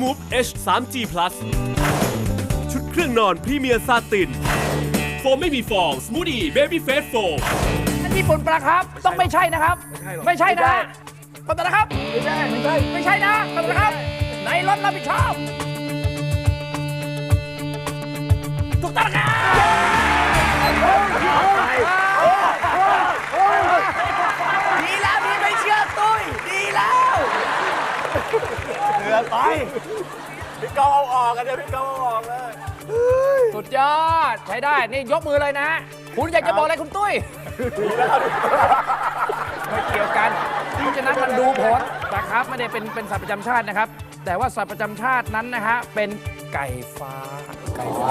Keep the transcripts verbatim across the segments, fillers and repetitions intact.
Move เอช ทรี จี Plus ชุดเครื่องนอนพรีเมียร์ซาตินโฟมไม่มีฟองสมูทตี้เบบี้เฟสโฟมนั่นญี่ปุ่นปะครับต้องไม่ใช่นะครับ ไม่ใช่นะขอโทษนะครับไม่ใช่ไม่ใช่ไม่ใช่นะขอโทษนะครับในรถรับผิดชอบถูกต้องนะครับดีแล้วที่ไม่เชื่อตุ้ยดีแล้วเหลือไปพี่เกาเอาออกกันเดี๋ยวพี่เกาเอาออกเลยสุดยอดใช้ได้นี่ยกมือเลยนะ คุณอยากจะบอกอะไรคุณตุ้ยไม่เกี่ยวกันเพราะฉะนั้นมันดูผลนะครับไม่ได้เป็นเป็นสัตว์ประจำชาตินะครับ แต่ว่าสัตว์ประจำชาตินั้นนะฮะเป็นไก่ฟ้าไก่ฟ้า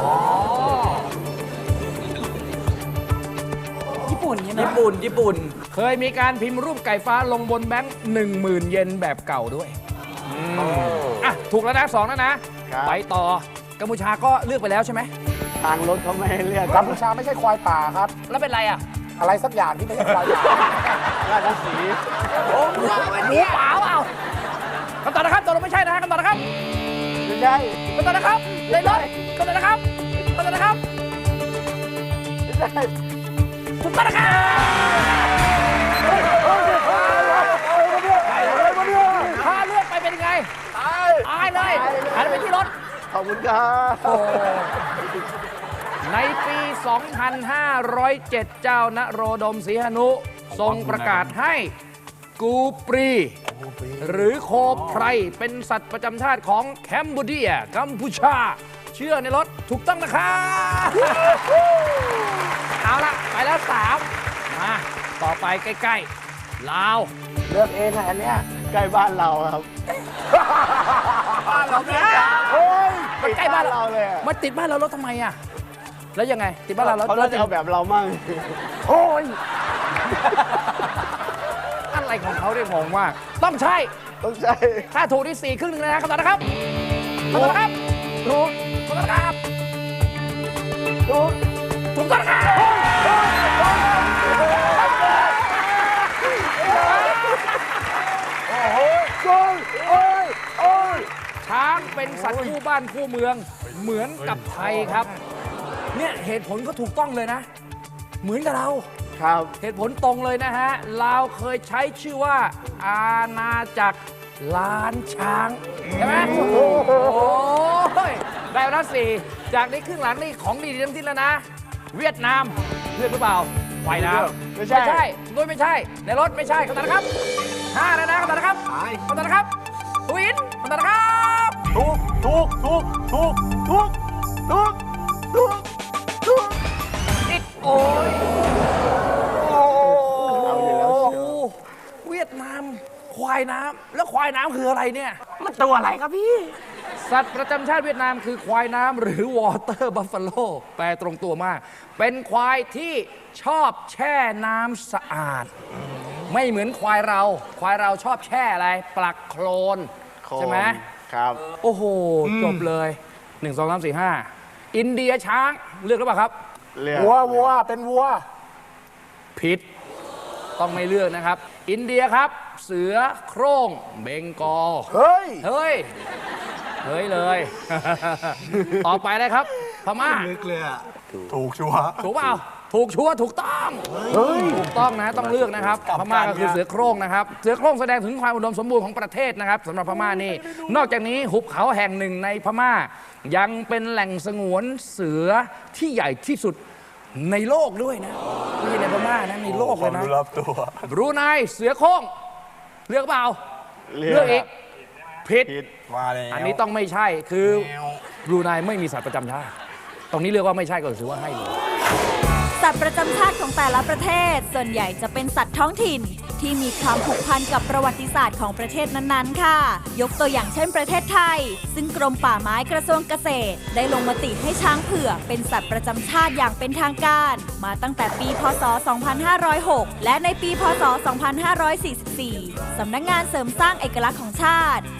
ญี่ปุ่นใช่ไหมญี่ปุ่นญี่ปุ่น เคยมีการพิมพ์รูปไก่ฟ้าลงบนแบงค์หนึ่งหมื่นเยนแบบเก่าด้วยอ่ะถูกแล้วนะสองแล้วนะ ไปต่อกัมพูชาก็เลือกไปแล้วใช่ไหมทางรถเขาไม่ให้เรียกกัมพูชาไม่ใช่ควายป่าครับแล้วเป็นไรอ่ะอะไรสักอย่างที่ไม่ใช่ควายป่าราชสีห์โอ้หมูเปล่าเปล่าคำตอบนะครับตกลงไม่ใช่นะฮะคำตอบนะครับไม่ใช่คำตอบนะครับเลยรถคำตอบนะครับคำตอบนะครับไม่ใช่ถูกต้องนะครับถ้าเลือกไปเป็นยังไงตายตายเลยหันไปที่รถขอบคุณครับในปี สองพันห้าร้อยเจ็ด เจ้านโรดมศรีหนุทรงประกาศให้กูปรี หรือโคไพรเป็นสัตว์ประจำชาติของแคมบูเดียกัมพูชา เชื่อในรถถูกต้องนะครับเอาละไปแล้วสามมาต่อไปใกล้ๆลาวเลือกเองอะอันเนี้ยใกล้บ้านเราครับบ้านเราเนี่ยโอ้ยมันใกล้บ้านเราเราเลยอะมันติดบ้านเรารถทำไมอ่ะแล้วยังไงติดบ้านเราแล้วเขาน่าจะเอาแบบเรามั่งโอ้ยอะไรของเขาเนี่ยงงมากต้องใช่ต้องใช่ถ้าถูกที่สี่ครึ่งหนึ่งเลยนะคำตอบนะครับคำตอบนะครับถูกคำตอบนะครับถูกถูกต้องนะครับช้างเป็นสัตว์คู่บ้านคู่เมืองเหมือนกับไทยครับ เนี่ยเหตุผลก็ถูกต้องเลยนะ เหมือนกับเราครับเหตุผลตรงเลยนะฮะลาวเคยใช้ชื่อว่าอาณาจักรล้านช้างใช่ไหมโอ้ยได้แล้วสี่จากนี้ครึ่งหลังนี่ของดีทั้งสิ้นแล้วนะ เวียดนามเลือกหรือเปล่าไฟน้ำไม่ใช่ไม่ใช่ด้วยไม่ใช่ ในรถไม่ใช่คำตอบนะครับห้าแล้วนะคำตอบนะครับคำตอบนะครับทวินคำตอบนะครับถูกถูกถูกถูกถูกถูกถูกถูกอีกโอ้ยเอาอยู่แล้วเชียวเวียดนามควายน้ำแล้วควายน้ำคืออะไรเนี่ยมันตัวอะไรครับพี่สัตว์ประจำชาติเวียดนามคือควายน้ำหรือวอเตอร์บัฟฟาโลแปลตรงตัวมาก เป็นควายที่ชอบแช่น้ำสะอาด ไม่เหมือนควายเรา ควายเราชอบแช่อะไร ปลักโคลน ใช่ไหมครับโอ้โห จบเลยหนึ่ง สอง สาม สี่ ห้าอินเดียช้างเลือกหรือเปล่าครับเรียกวัววัวเป็นวัวผิด ต้องไม่เลือกนะครับ อินเดียครับ เสือโคร่งเบงกอลเฮ้ยเฮ้ย เฮ้ยเลย ต่อไปเลยครับ พม่าถูกชัวร์ถูกเปล่า ถูกชัวร์ถูกต้องเฮ้ยถูกต้องนะต้องเลือกนะครับ พม่าก็คือเสือโคร่งนะครับ เสือโคร่งแสดงถึงความอุดมสมบูรณ์ของประเทศนะครับสำหรับพม่านี่ นอกจากนี้หุบเขาแห่งหนึ่งในพม่า ยังเป็นแหล่งสงวนเสือที่ใหญ่ที่สุดในโลกด้วยนะไม่ใช่ในพม่านะในโลกเลยนะรับตัวบรูไนเสือโคร่งเลือกเปล่าเรียกเลือกอีกผิดผิดมาเลยอันนี้ต้องไม่ใช่ คือบรูไนไม่มีสัตว์ประจำชาติ ตรงนี้เรียกว่าไม่ใช่ก็ถือว่าให้เลยสัตว์ประจำชาติของแต่ละประเทศ ส่วนใหญ่จะเป็นสัตว์ท้องถิ่น ที่มีความผูกพันกับประวัติศาสตร์ของประเทศนั้นๆ ค่ะ ยกตัวอย่างเช่นประเทศไทย ซึ่งกรมป่าไม้กระทรวงเกษตร ได้ลงมติให้ช้างเผือกเป็นสัตว์ประจำชาติอย่างเป็นทางการ มาตั้งแต่ปี พ.ศ. สองพันห้าร้อยหก และในปี พ.ศ. สองพันห้าร้อยสี่สิบสี่ สำนักงานเสริมสร้างเอกลักษณ์ของชาติ ก็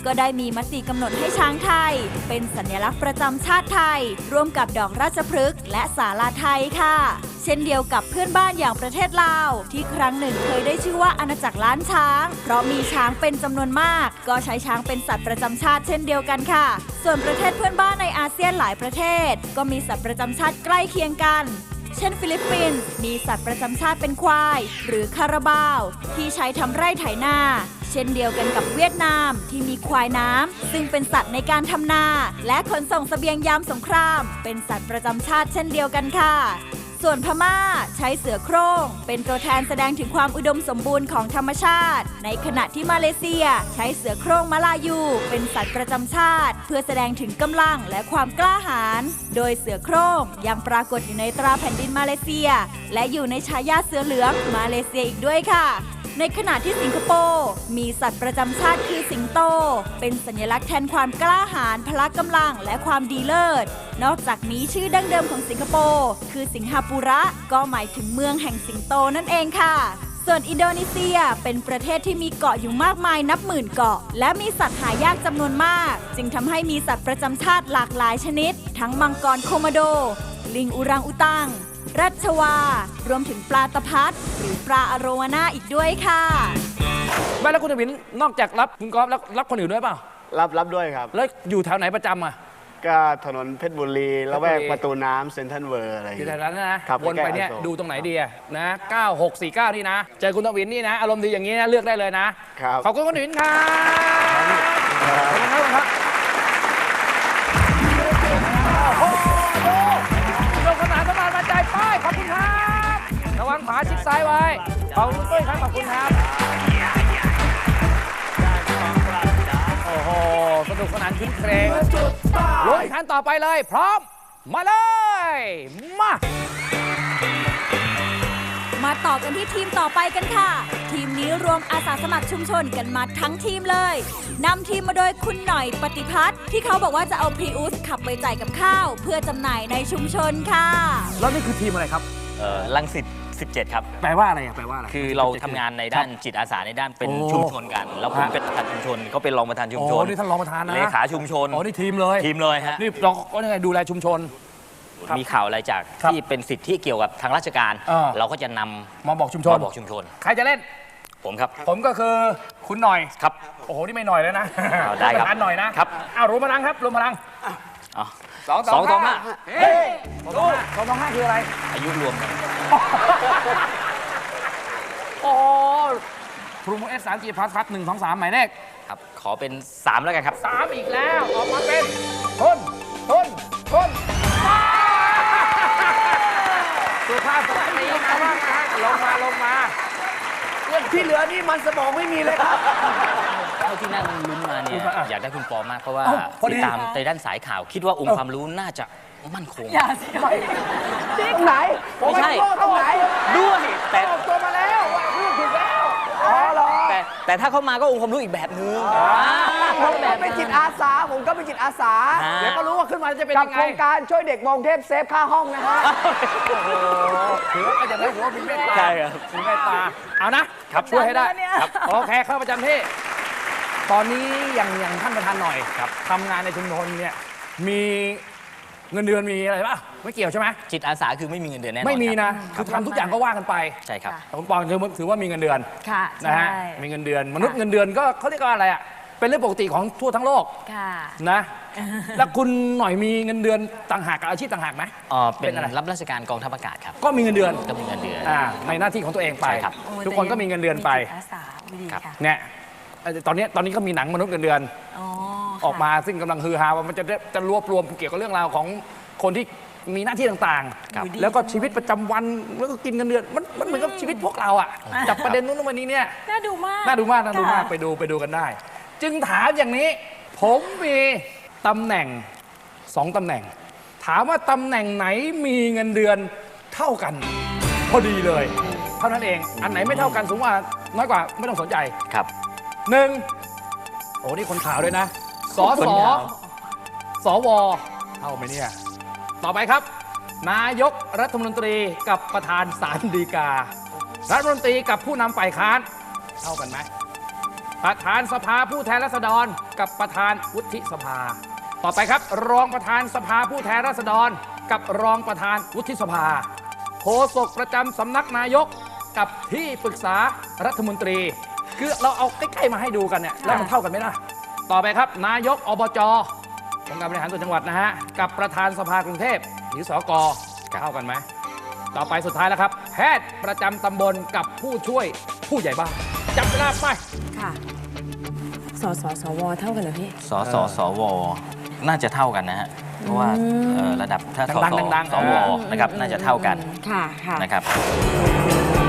ก็ได้มีมติกำหนดให้ช้างไทย เป็นสัญลักษณ์ประจำชาติไทย ร่วมกับดอกราชพฤกษ์และศาลาไทยค่ะ เช่นเดียวกับเพื่อนบ้านอย่างประเทศลาว ที่ครั้งหนึ่งเคยได้ชื่อว่าอาณาจักรล้านช้าง เพราะมีช้างเป็นจำนวนมาก ก็ใช้ช้างเป็นสัตว์ประจำชาติเช่นเดียวกันค่ะ ส่วนประเทศเพื่อนบ้านในอาเซียนหลายประเทศ ก็มีสัตว์ประจำชาติใกล้เคียงกัน เช่นฟิลิปปินส์มีสัตว์ประจำชาติเป็นควาย หรือคาราบาวที่ใช้ทำไร่ไถนา เช่นเดียวกันกับเวียดนามที่มีควายน้ำซึ่งเป็นสัตว์ในการทำนา และขนส่งเสบียงยามสงคราม เป็นสัตว์ประจำชาติเช่นเดียวกันค่ะ ส่วนพม่าใช้เสือโคร่งเป็นตัวแทนแสดงถึงความอุดมสมบูรณ์ของธรรมชาติ ในขณะที่มาเลเซียใช้เสือโคร่งมลายูเป็นสัตว์ประจำชาติ เพื่อแสดงถึงกำลังและความกล้าหาญโดยเสือโคร่งยังปรากฏอยู่ในตราแผ่นดินมาเลเซีย และอยู่ในฉายาเสือเหลืองมาเลเซียอีกด้วยค่ะในขณะที่สิงคโปร์มีสัตว์ประจำชาติคือสิงโตเป็นสัญลักษณ์แทนความกล้าหาญพละกำลังและความดีเลิศนอกจากนี้ชื่อดั้งเดิมของสิงคโปร์คือสิงหาปุระก็หมายถึงเมืองแห่งสิงโตนั่นเองค่ะส่วนอินโดนีเซียเป็นประเทศที่มีเกาะอยู่มากมายนับหมื่นเกาะและมีสัตว์หายากจำนวนมากจึงทำให้มีสัตว์ประจำชาติหลากหลายชนิดทั้งมังกรโคโมโดลิงอุรังอุตังรัชวารวมถึงปลาตะพัดหรือปลาอโรวาน่าอีกด้วยค่ะไม่แล้วคุณทวินนอกจากรับคุณกอล์ฟแล้วรับคนอื่นด้วยเปล่ารับรับด้วยครับแล้วอยู่แถวไหนประจำอ่ะก็ถนนเพชรบุรีแล้วแวกประตูน้ำเซ็นทรัลเวิร์อะไรอยู่แถวนั้นนะวนไปเนี่ยดูตรงไหนดีนะเก้าหกสี่เก้านี่นะเจอคุณทวินนี่นะอารมณ์ดีอย่างนี้นะเลือกได้เลยนะครับขอบคุณคุณทวินครับขอบคุณครับลงขนาดสมานมาใจป้ายขอบคุณครับระวังขวาชิดซ้ายไว้ขอบคุณตุ้ยครับขอบคุณครับโอ้โหสนุกสนานขึ้นเพลงลงขั้นต่อไปเลยพร้อมมาเลยมามาต่อกันที่ทีมต่อไปกันค่ะทีมนี้รวมอาสาสมัครชุมชนกันมาทั้งทีมเลยนำทีมมาโดยคุณหน่อยปฏิพัฒน์ที่เขาบอกว่าจะเอาพรีอุสขับไปจ่ายกับข้าวเพื่อจำหน่ายในชุมชนค่ะแล้วนี่คือทีมอะไรครับเอ่อรังสิตสิบเจ็ดครับแปลว่าอะไรอ่ะแปลว่าอะไรคือเราทำงานในด้านจิตอาสาในด้านเป็นชุมชนกันแล้วผมเป็นประธานชุมชนเขาเป็นรองประธานชุมชนโอ้นี่ท่านรองประธานนะเลขาชุมชนอ๋อนี่ทีมเลยทีมเลยฮะนี่เราก็ยังไงดูแลชุมชนมีข่าวอะไรจากที่เป็นสิทธิที่เกี่ยวกับทางราชการเราก็จะนำมาบอกชุมชนมาบอกชุมชนใครจะเล่นผมครับผมก็คือคุณหน่อยครับโอ้โหนี่ไม่หน่อยแล้วนะได้ครับหน่อยนะครับอ้าวรวมพลังครับรวมพลังสองสองสองห้าเฮ้ยสองสองสองห้าคืออะไรอายุรวมกันโอ้พรูโมเอสสามจีพลัสครับหนึ่งสองสามหมายเลขครับขอเป็นสามแล้วกันครับสามอีกแล้วออกมาเป็นต้นต้นต้นสุภาพสตรีนะว่าลงมาลงมาเรื่องที่เหลือนี่มันสมองไม่มีเลยครับเท่าที่นั่งลุ้นมาเนี่ยอยากได้คุณปอมากเพราะว่าติดตามในด้านสายข่าวคิดว่าองค์ความรู้น่าจะมั่นคงอย่าสิตรงไหนไม่ใช่ตรงไหนด้วยแต่ตัวมาแล้วเรื่องถูกแล้วอ๋อเหรอแต่แต่ถ้าเข้ามาก็องค์ความรู้อีกแบบนึงผมเป็นจิตอาสาผมก็เป็นจิตอาสาเดี๋ยวก็รู้ว่าขึ้นมาจะเป็นยังไงกับโครงการช่วยเด็กมองเทพเซฟค่าห้องนะฮะถือว่าจะได้หัวมีเมตตาใช่ครับมีเมตตาเอานะครับช่วยให้ได้ครับโอเคเข้าประจำที่ตอนนี้อย่างอย่างท่านประธานหน่อยครับทำงานในชุมชนเนี่ยมีเงินเดือนมีอะไรป่ะไม่เกี่ยวใช่ไหมจิตอาสาคือไม่มีเงินเดือนแน่นอนไม่มีนะคือทำทุกอย่างก็ว่ากันไปใช่ครับคุณปองถือว่ามีเงินเดือนค่ะนะฮะมีเงินเดือนมนุษย์เงินเดือนก็เขาเรียกว่าอะไรอ่ะเป็นเรื่องปกติของทั่วทั้งโลกนะแล้วคุณหน่อยมีเงินเดือนต่างหากกับอาชีพต่างหากไหมอ๋อเป็นรับราชการกองทัพอากาศครับก็มีเงินเดือนก็มีเงินเดือนในหน้าที่ของตัวเองไปทุกคนก็มีเงินเดือนไปเนี่ยตอนนี้ตอนนี้ก็มีหนังมนุษย์เงินเดือนออกมาซึ่งกำลังฮือฮาว่ามันจะจะรวบรวมเกี่ยวกับเรื่องราวของคนที่มีหน้าที่ต่างๆแล้วก็ชีวิตประจำวันแล้วก็กินเงินเดือนมันมันเหมือนกับชีวิตพวกเราอ่ะจับประเด็นนู้นวันนี้เนี่ยน่าดูมากน่าดูมากน่าดูมากไปดูไปดูกันได้จึงถามอย่างนี้ผมมีตำแหน่งสองตำแหน่งถามว่าตำแหน่งไหนมีเงินเดือนเท่ากันพอดีเลยเท่านั้นเองอันไหนไม่เท่ากันสูงกว่าน้อยกว่าไม่ต้องสนใจครับหนึ่งโอ้นี่คนข่าวด้วยนะสสสวเท่าไหมเนี่ยต่อไปครับนายกรัฐมนตรีกับประธานศาลฎีการัฐมนตรีกับผู้นำฝ่ายค้านเท่ากันไหมประธานสภาผู้แทนราษฎรกับประธานวุฒิสภา ต่อไปครับ รองประธานสภาผู้แทนราษฎรกับรองประธานวุฒิสภาโฆษกประจำสำนักนายกกับที่ปรึกษารัฐมนตรีคือเราเอาใกล้ๆมาให้ดูกันเนี่ยแล้วมันเท่ากันไหมล่ะต่อไปครับนายกอบจองค์การบริหารส่วนจังหวัดนะฮะกับประธานสภากรุงเทพหรือสกเท่ากันไหมต่อไปสุดท้ายแล้วครับ แพทย์ประจำตำบลกับผู้ช่วยผู้ใหญ่บ้านจับเวลาไปค่ะ สสสวเท่ากันเหรอพี่สสสวน่าจะเท่ากันนะฮะเพราะว่าเอ่อระดับถ้าสสดังๆดังๆสวนะครับน่าจะเท่ากันค่ะ ค่ะนะครับ